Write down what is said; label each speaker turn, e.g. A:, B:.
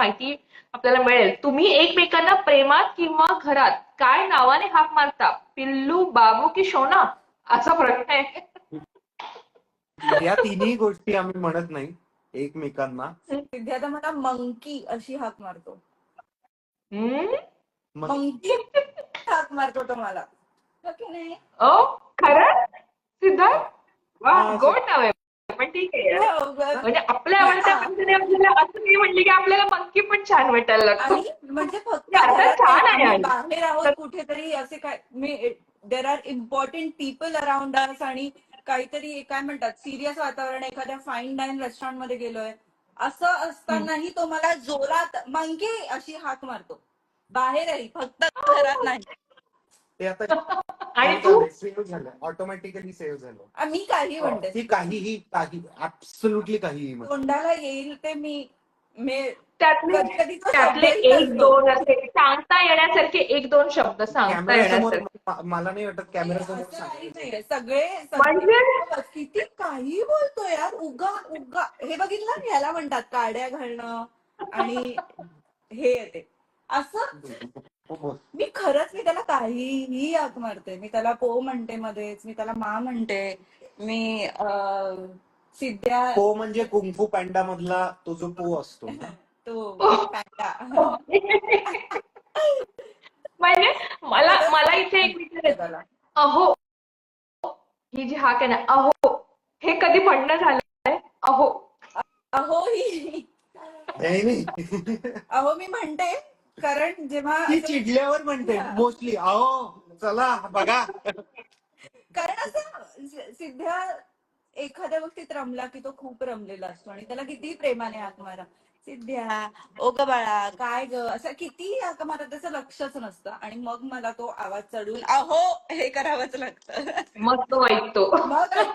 A: माहिती आपल्याला मिळेल. तुम्ही एकमेकांना प्रेमात किंवा घरात काय नावाने हाक मारता? पिल्लू, बाबू की शोना? असा प्रश्न आहे.
B: या तिन्ही गोष्टी आम्ही म्हणत नाही एकमेकांना.
C: सिद्ध्या तर मला मंकी अशी हाक मारतो.
A: हम्म?
C: मंकी हाक मारतो तो मला. हो की नाही?
A: ओ खरं सिद्धार्थ? वा,
B: हा,
A: गोड नाव आहे. पण ठीक आहे यार.
C: हो, ग-
A: म्हणजे आपल्या आवडत्या माणसाने आपल्याला असं नाही म्हणले की आपल्याला मंकी पण छान वाटायला लागतो.
C: आणि म्हणजे फक्त
A: अर्थात
C: घरात
A: छान
C: नाही,
A: आहे
C: आम्ही
A: आणि.
C: बाहेर आहोत कुठेतरी असे काय there are important people around us आणि काहीतरी काय म्हणतात सिरियस वातावरण, एखाद्या फाईन डाईन रेस्टॉरंट मध्ये गेलोय असं असतानाही तो मला जोरात मंकी अशी हाक मारतो. बाहेरही, फक्त घरात नाही.
B: ते आता
A: आणि तू?
B: सेव्ह झालं, ऑटोमॅटिकली सेव्ह झालं.
C: मी काही म्हणते
B: ती काहीही ऍब्सोल्युटली काहीही म्हणते.
C: तोंडाला येईल ते मी
A: त्यातले
C: कधी कधी तो
A: त्यातले
C: शब्दही
A: एक
C: नसतो.
A: दोन असे सांगता येण्यासारखे एक दोन शब्द सांगता
B: कॅमेऱ्यासमोर
A: येण्यासारखे.
B: मला नाही वाटत कॅमेऱ्यासमोर
C: असं काही
B: सांगायचं.
C: नाहीये. सगळे
A: म्हणजे?
C: किती काही बोलतो यार. उगा उगा हे बघितलं, ह्याला म्हणतात काड्या घालणं आणि हे येते असं. मी त्याला काहीही हाक मारते. मी त्याला पो म्हणते मध्येच, मी त्याला मा म्हणते, मी सिद्ध्या
B: पो म्हणजे कुंफू पॅन्डा मधला तो जो पो असतो ना,
C: तो पॅन्डा.
A: म्हणजे मला इथे एक विचारायचं.
C: त्याला
A: अहो, ही जी हाक आहे ना, अहो, हे कधी म्हणणं झालंय? अहो.
C: अहो ही अहो मी म्हणते, कारण जेव्हा
B: ती चिडल्यावर म्हणते मोस्टली, अहो चला बघा.
C: कारण असं सिद्ध्या एखाद्या गोष्टीत रमला की तो खूप रमलेला असतो आणि त्याला किती प्रेमाने हाक मारा, सिद्ध्या, ओ ग बाळा, काय ग, असं किती हाक मारा, त्याचं लक्षच नसतं. आणि मग मला तो आवाज चढून अहो हे करावंच लागतं.
A: मग तो ऐकतो.
C: मग